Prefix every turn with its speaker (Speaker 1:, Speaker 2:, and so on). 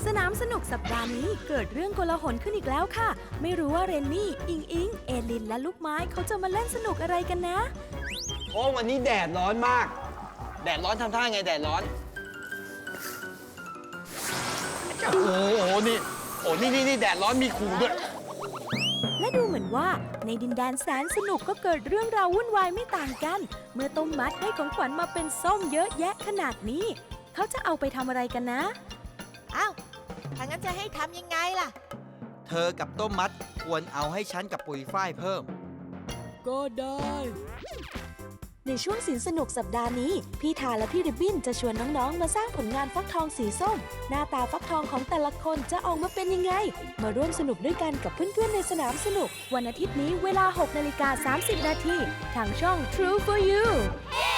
Speaker 1: สนามสนุกสัปดาห์นี้เกิดเรื่องโกลาหลขึ้นอีกแล้วค่ะไม่รู้ว่าเรนนี่อิงอิงเอลินและลูกไม้เขาจะมาเล่นสนุกอะไรกันนะ
Speaker 2: โอ้วันนี้แดดร้อนมากแดดร้อนทำท่าไงแดดร้อนโอ้โหนี่แดดร้อนมีขู่ด้วย
Speaker 1: และดูเหมือนว่าในดินแดนแสนสนุกก็เกิดเรื่องราววุ่นวายไม่ต่างกันเมื่อต้มมัดได้ของขวัญมาเป็นส้มเยอะแยะขนาดนี้เขาจะเอาไปทำอะไรกันนะ
Speaker 3: อ้าวถ้างั้นจะให้ทำยังไงล่ะ
Speaker 4: เธอกับต้มมัดควรเอาให้ฉันกับปุ๋ยฝ้ายเพิ่ม
Speaker 1: ก็ได้ในช่วงสินสนุกสัปดาห์นี้พี่ทาและพี่ริบบิ้นจะชวนน้องๆมาสร้างผลงานฟักทองสีส้มหน้าตาฟักทองของแต่ละคนจะออกมาเป็นยังไงมาร่วมสนุกด้วยกันกับเพื่อนๆในสนามสนุกวันอาทิตย์นี้เวลา 6:30 น.ทางช่อง True for You